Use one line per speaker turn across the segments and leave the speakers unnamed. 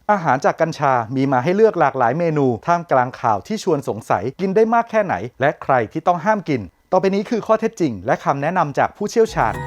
อาหารจากกัญชามีมาให้เลือกหลากหลายเมนูท่ามกลางข่าวที่ชวนสงสัยกินได้มากแค่ไหนและใครที่ต้องห้ามกินต่อไปนี้คือข้อเท็จจริงและคำแนะนำจากผู้เชี่ยวชาญ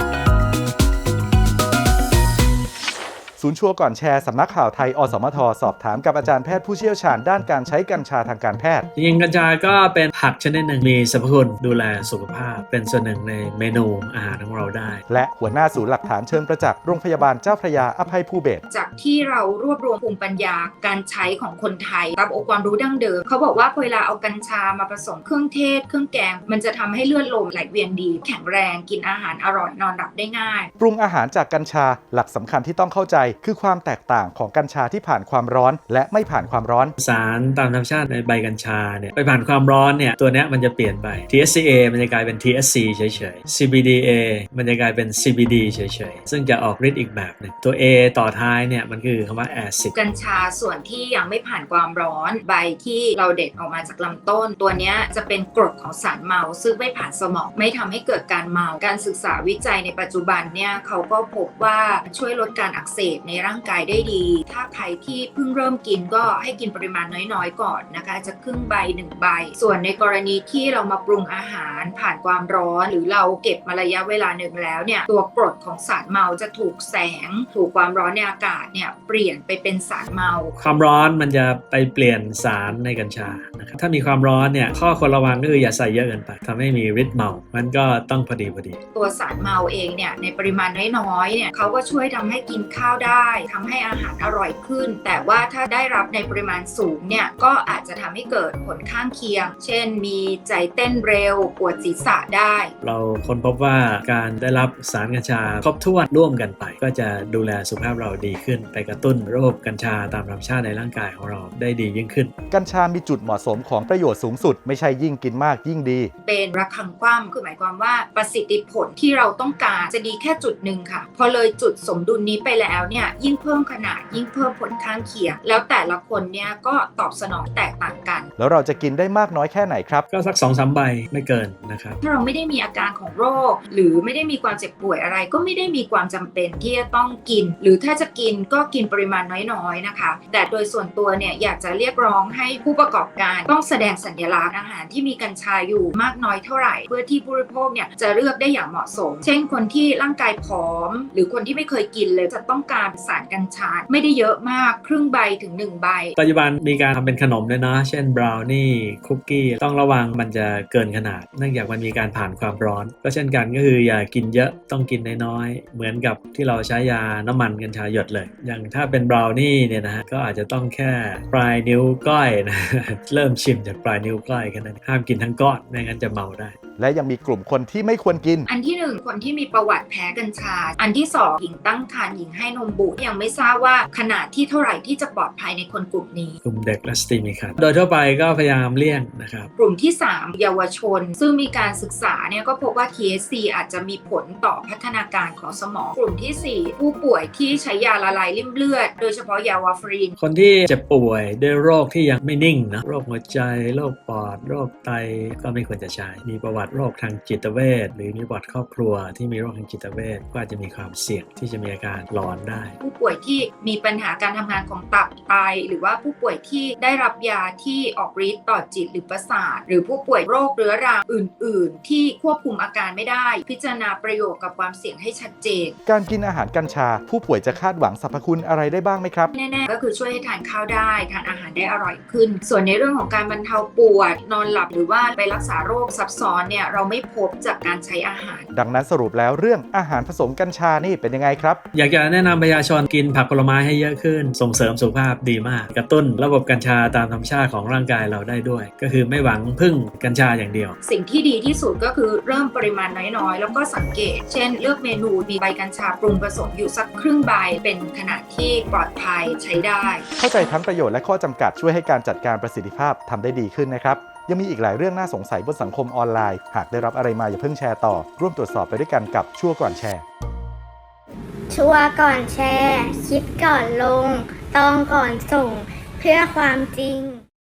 ศูนย์ชัวร์ก่อนแชร์สำนักข่าวไทยอสมทสอบถามกับอาจารย์แพทย์ผู้เชี่ยวชาญด้านการใช้กัญชาทางการแพทย์
จริงๆกัญชาก็เป็นผักชนิดหนึ่งมีสรรพคุณดูแลสุขภาพเป็นส่วนหนึ่งในเมนูอาหารของเราได้
และหัวหน้าศูนย์หลักฐานเชิงประจักษ์โรงพยาบาลเจ้าพระยาอภัยภูเบศร
จากที่เรารวบรวมภูมิปัญญาการใช้ของคนไทยตามองค์ความรู้ดั้งเดิมเขาบอกว่าเวลาเอากัญชามาผสมเครื่องเทศเครื่องแกงมันจะทำให้เลือดลมไหลเวียนดีแข็งแรงกินอาหารอร่อยนอนหลับได้ง่าย
ปรุงอาหารจากกัญชาหลักสำคัญที่ต้องเข้าใจคือความแตกต่างของกัญชาที่ผ่านความร้อนและไม่ผ่านความร้อน
สารตามธรรมชาติในใบกัญชาเนี่ยไปผ่านความร้อนเนี่ยตัวเนี้ยมันจะเปลี่ยนไป THCA มันจะกลายเป็น THC เฉยๆ CBDA มันจะกลายเป็น CBD เฉยๆซึ่งจะออกฤทธิ์อีกแบบนึงตัว A ต่อท้ายเนี่ยมันคือคำว่า acid
กัญชาส่วนที่ยังไม่ผ่านความร้อนใบที่เราเด็ดออกมาจากลำต้นตัวเนี้ยจะเป็นกรดของสารเมาซึ่งไม่ผ่านสมองไม่ทำให้เกิดการเมาการศึกษาวิจัยในปัจจุบันเนี่ยเขาก็พบว่าช่วยลดการอักเสบในร่างกายได้ดีถ้าใครที่เพิ่งเริ่มกินก็ให้กินปริมาณน้อยๆก่อนนะคะจะครึ่งใบ1ใบส่วนในกรณีที่เรามาปรุงอาหารผ่านความร้อนหรือเราเก็บมาระยะเวลาหนึ่งแล้วเนี่ยตัวกรดของสารเมาจะถูกแสงถูกความร้อนในอากาศเนี่ยเปลี่ยนไปเป็นสารเมา
ความร้อนมันจะไปเปลี่ยนสารในกัญชานะครับถ้ามีความร้อนเนี่ยข้อควรระวังก็คืออย่าใส่เยอะเกินไปทำให้มีฤทธิ์เมามันก็ต้องพอดี
ตัวสารเมาเองเนี่ยในปริมาณน้อยๆเนี่ยเขาก็ช่วยทำให้กินข้าวได้ทำให้อาหารอร่อยขึ้นแต่ว่าถ้าได้รับในปริมาณสูงเนี่ยก็อาจจะทำให้เกิดผลข้างเคียงเช่นมีใจเต้นเร็วปวดศีรษะได้
เราค้นพบว่าการได้รับสารกัญชาครบถ้วนร่วมกันไปก็จะดูแลสุขภาพเราดีขึ้นไปกระตุ้นระบบกัญชาตามธรรมชาติในร่างกายของเราได้ดียิ่งขึ้น
กัญชามีจุดเหมาะสมของประโยชน์สูงสุดไม่ใช่ยิ่งกินมากยิ่งดี
เป็นระฆังคว่ำคือหมายความว่าประสิทธิผลที่เราต้องการจะดีแค่จุดหนึ่งค่ะพอเลยจุดสมดุลนี้ไปแล้วเนี่ยยิ่งเพิ่มขนาดยิ่งเพิ่มผลข้างเคียงแล้วแต่ละคนเนี่ยก็ตอบสนองแตกต่างกัน
แล้วเราจะกินได้มากน้อยแค่ไหนครับ
ก็สัก 2-3 ใบไม่เกินนะครับ
ถ้าเราไม่ได้มีอาการของโรคหรือไม่ได้มีความเจ็บป่วยอะไรก็ไม่ได้มีความจำเป็นที่จะต้องกินหรือถ้าจะกินก็กินปริมาณน้อยๆนะคะแต่โดยส่วนตัวเนี่ยอยากจะเรียกร้องให้ผู้ประกอบการต้องแสดงสัญลักษณ์อาหารที่มีกัญชาอยู่มากน้อยเท่าไหร่เพื่อที่ผู้บริโภคเนี่ยจะเลือกได้อย่างเหมาะสมเช่นคนที่ร่างกายผอมหรือคนที่ไม่เคยกินเลยจะต้องการสารกัญชาไม่ได้เยอะมากครึ่งใบถึง1ใบ
ปัจจุบันมีการทำเป็นขนมด้วยนะเช่นบราวนี่คุกกี้ต้องระวังมันจะเกินขนาดเนื่องจากมันมีการผ่านความร้อนก็เช่นกันก็คืออย่ากินเยอะต้องกินน้อยๆเหมือนกับที่เราใช้ยาน้ำมันกัญชาหยดเลยอย่างถ้าเป็นบราวนี่เนี่ยนะฮะก็อาจจะต้องแค่ปลายนิ้วก้อยนะ เริ่มชิมจากปลายนิ้วก้อยแค่นั้นห้ามกินทั้งก้อนไม่งั้นจะเมาได้
และยังมีกลุ่มคนที่ไม่ควรกิน
อันที่1คนที่มีประวัติแพ้กัญชาอันที่2หญิงตั้งครรภ์หญิงให้นมบุตรยังไม่ทราบว่าขนาดที่เท่าไหร่ที่จะปลอดภัยในคนกลุ่มนี้
กลุ่มเด็กและสตรีมีครรภ์โดยทั่วไปก็พยายามเลี่ยงนะครับ
กลุ่มที่3เยาวชนซึ่งมีการศึกษาเนี่ยก็พบว่า THC อาจจะมีผลต่อพัฒนาการของสมองกลุ่มที่4ผู้ป่วยที่ใช้ยาละลายริ่มเลือดโดยเฉพาะยาวาฟรีน
คนที่เจ็บป่วยด้วยโรคที่ยังไม่นิ่งนะโรคหัวใจโรคปอดโรคไตก็ไม่ควรจะใช้มีประวัติโรคทางจิตเวชหรือมีประวัติครอบครัวที่มีโรคทางจิตเวชก็อาจจะมีความเสี่ยงที่จะมีอาการหลอนได้
ผู้ป่วยที่มีปัญหาการทำงานของตับไตหรือว่าผู้ป่วยที่ได้รับยาที่ออกฤทธิ์ต่อจิตหรือประสาทหรือผู้ป่วยโรคเรื้อรังอื่นๆที่ควบคุมอาการไม่ได้พิจารณาประโยชน์กับความเสี่ยงให้ชัดเจน
การกินอาหารกัญชาผู้ป่วยจะคาดหวังสรรพคุณอะไรได้บ้างไหมครับ
แน่ๆก็คือช่วยให้ทานข้าวได้ทานอาหารได้อร่อยขึ้นส่วนในเรื่องของการบรรเทาปวดนอนหลับหรือว่าไปรักษาโรคซับซ้อนเนี่ยเราไม่พบจากการใช้อาหาร
ดังนั้นสรุปแล้วเรื่องอาหารผสมกัญชานี่เป็นยังไงครับ
อยากจะแนะนำประชาชนกินผักผลไม้ให้เยอะขึ้นส่งเสริมสุขภาพดีมากกระตุ้นระบบกัญชาตามธรรมชาติของร่างกายเราได้ด้วยก็คือไม่หวังพึ่งกัญชาอย่างเดียว
สิ่งที่ดีที่สุดก็คือเริ่มปริมาณน้อยๆแล้วก็สังเกตเช่นเลือกเมนูมีใบกัญชาปรุงผสมอยู่สักครึ่งใบเป็นขนาดที่ปลอดภัยใช้ได้
เข้าใจทั้งประโยชน์และข้อจำกัดช่วยให้การจัดการประสิทธิภาพทำได้ดีขึ้นนะครับยังมีอีกหลายเรื่องน่าสงสัยบนสังคมออนไลน์หากได้รับอะไรมาอย่าเพิ่งแชร์ต่อร่วมตรวจสอบไปด้วยกันกับชัวร์ก่อนแชร์
ชัวร์ก่อนแชร์คิดก่อนลงต้องก่อนส่งเพื่อความจริง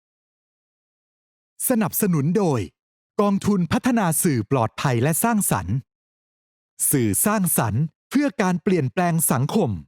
สนับสนุนโดยกองทุนพัฒนาสื่อปลอดภัยและสร้างสรรค์สื่อสร้างสรรค์เพื่อการเปลี่ยนแปลงสังคม